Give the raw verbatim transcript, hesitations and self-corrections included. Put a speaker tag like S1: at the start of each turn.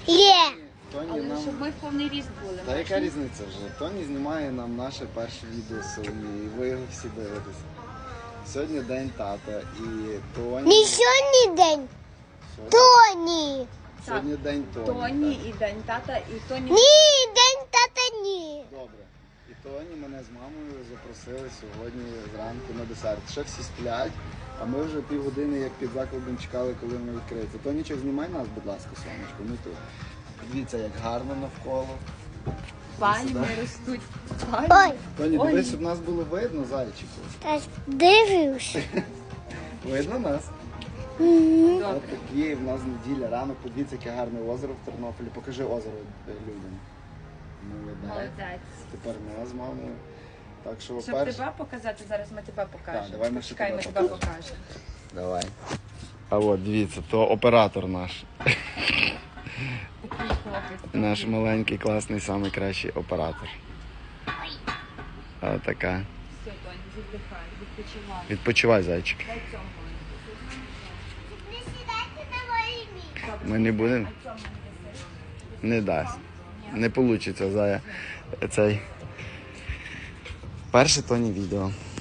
S1: Є.
S2: Тоні
S3: Але
S2: нам...
S3: щоб ми в повний ріст були.
S2: Та яка різниця вже? Тоні знімає нам наше перше відео з Соломією, і ви його всі дивитесь. Сьогодні день тата і Тоні...
S1: Не сьогодні день.
S2: Сьогодні,
S1: Тоні.
S2: Сьогодні день Тоні.
S3: Тоні
S2: так.
S3: і день тата, і Тоні...
S1: Ні, день тата ні.
S2: Добре. І Тоні мене з мамою запросили сьогодні зранку на десерт. Ще всі сплять, а ми вже півгодини як під закладом чекали, коли воно відкриється. Тонічок, знімай нас, будь ласка, сонечко, ми тут. Дивіться, як гарно навколо.
S3: Пальми ростуть. Пальми.
S1: Ой,
S2: Тоні,
S3: Ой.
S2: дивись, щоб нас було видно, зайчику.
S1: та ж дивився.
S2: Видно нас?
S3: Добре.
S2: От такі в нас неділя, ранок, подивіться, яке гарне озеро в Тернополі. Покажи озеро людям. Молодець.
S3: Молодець.
S2: Тепер ми з мамою. Так що
S3: Щоб
S2: перш...
S3: тебе показати, зараз ми тебе покажемо.
S2: Так, давай ми ще
S3: Чекай,
S2: тебе
S3: ми тебе
S2: покажемо.
S3: покажемо.
S2: Давай. А от, дивіться, то оператор наш.
S3: Такий хлопець.
S2: Наш маленький, класний, найкращий оператор. Ось така.
S3: Все, Тоні, віддихай, відпочивай.
S2: Відпочивай, зайчик.
S3: Дай цьому.
S1: Не сідайте на моє місце.
S2: Ми не будемо.
S3: А цьому не даси.
S2: Не дасть. Не вийде, зая. Цей. Перше Тоні відео.